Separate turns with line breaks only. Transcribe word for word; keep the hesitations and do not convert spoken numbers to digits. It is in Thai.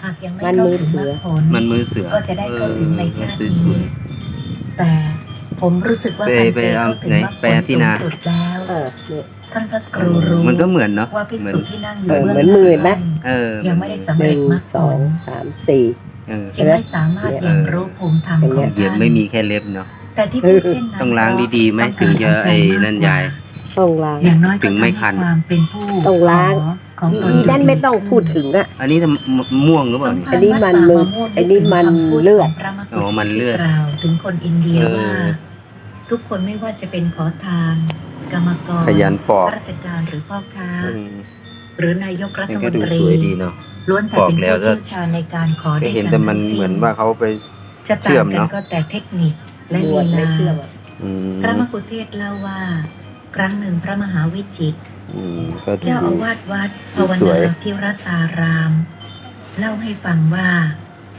หากยังไม่
มัน
เข้า
มือ
ถึง
เสื
มร
อ
รคผล
มันมือเสือ
ก็จะได้เข้าถึงในชาติ
เออส
นี้
วย
แต่ผมรู้สึกว่า
ไป
ท่าน
ไป
เจ
เอา
เข้าถึง
ไหน
มรรคผ
แปล
ล
ที่
สูง
นา
สุดแล้ว
เออเนี่ย
ท่านพระครูรู้
มันก็เหมือนเนาะ
ว่าภิก
เหมือน
ษุที่นั่งอ
เอยู่ อ
เบื้อง
เหมือนมือเห็นไหม
เออ
ยังไม่ได้สำ
ห
เร็
นึ่
จ
ง
มรรค
ส
ผ
อง
ล
สามสี่
เออ
จึงไม่สามารถ
เนี่ย
ยังรู้ภูมิธรรม
เออ
ของ
เหยียบ
ท่าน
ไม่มีแค่เล็บเนาะ
แต่ที่พูดเช่นนั้น
ต้องล้างดีๆไหม
เพรา
ถึงจะไอ้นั่นยาย
ต้องล้าง
อย่างน้อยก็
ถึงไม่คัน
ทำให้ความเป็นผู้
ต้องล้าง
ขอของตน
อีนั่นไม่ต้องพูดถึงอ่ะ
อันนี้ทำม่วงหรือเปล่าเนี่ย
อันนี้มันมืออันนี้มันเลือด
อ๋อมันเลือด
กล่าวถึงคนอินเดีย
เออ
ว่า ทุกคนไม่ว่าจะเป็นขอทาน กรรมกร
ขยันปอก
ข้าราชการหรือพ่อค้า
อืม
หรือนายกรัฐ
มัน
ม
ก็
น
ดู
ตรี
สวยดีเนาะ
ล้วนแต่
ปอก
เป็น
แล้ว
ผู้
ก็
เชี่ยวชาญในการขอ
ก็
ได้
เห็น
กั
แต่มัน
ทั้งสิ้
เหมือนว่าเขาไป
จะ
เชื่
ต่า
อง ม
กัน
เนาะ
ก็แต่เทคนิคและ
บ
ลี
วชไม่
ลา
เชื่อมอะ
อืม
พระมกุเทศเล่าว่า ครั้งหนึ่งพระมหาวิจิตร
อืมก็ดู
เจ้าอาวาสวัดภาว
สวย
นาพิรัตาราม เล่าให้ฟังว่า